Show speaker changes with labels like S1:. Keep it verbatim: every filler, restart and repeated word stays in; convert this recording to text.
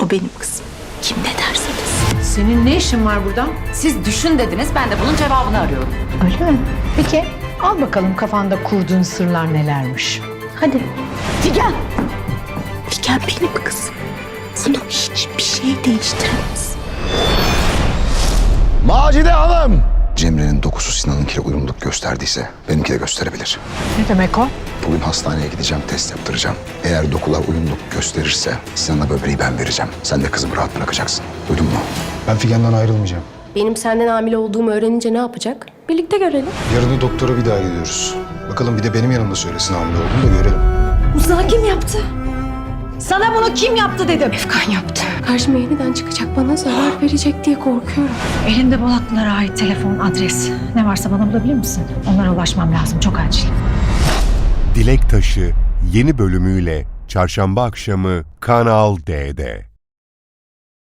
S1: O benim kızım. Kim ne derse desin.
S2: Senin ne işin var burada?
S3: Siz düşün dediniz, ben de bunun cevabını arıyorum.
S2: Öyle mi? Peki al bakalım kafanda kurduğun sırlar nelermiş. Hadi.
S1: Figen! Figen benim kızım. Bunu hiçbir şey değiştiremez.
S4: Macide Hanım! Cemre'nin dokusu Sinan'ınkiyle uyumluluk gösterdiyse benimki de gösterebilir.
S2: Ne demek o?
S4: Bugün hastaneye gideceğim, test yaptıracağım. Eğer dokular uyumluluk gösterirse Sinan'a böbreği ben vereceğim. Sen de kızımı rahat bırakacaksın. Duydun mu?
S5: Ben Figen'den ayrılmayacağım.
S6: Benim senden hamile olduğumu öğrenince ne yapacak? Birlikte görelim.
S5: Yarın da doktora bir daha gidiyoruz. Bakalım bir de benim yanımda söylesin hamile olduğunu da görelim.
S6: Uzağa kim yaptı?
S2: Sana bunu kim yaptı dedim.
S6: Efkan yaptı. Karşıma yeniden çıkacak, bana zarar verecek diye korkuyorum.
S2: Elinde Bolatlılara ait telefon, adres. Ne varsa bana bulabilir misin? Onlara ulaşmam lazım. Çok acil.
S7: Dilek Taşı yeni bölümüyle Çarşamba akşamı Kanal D'de.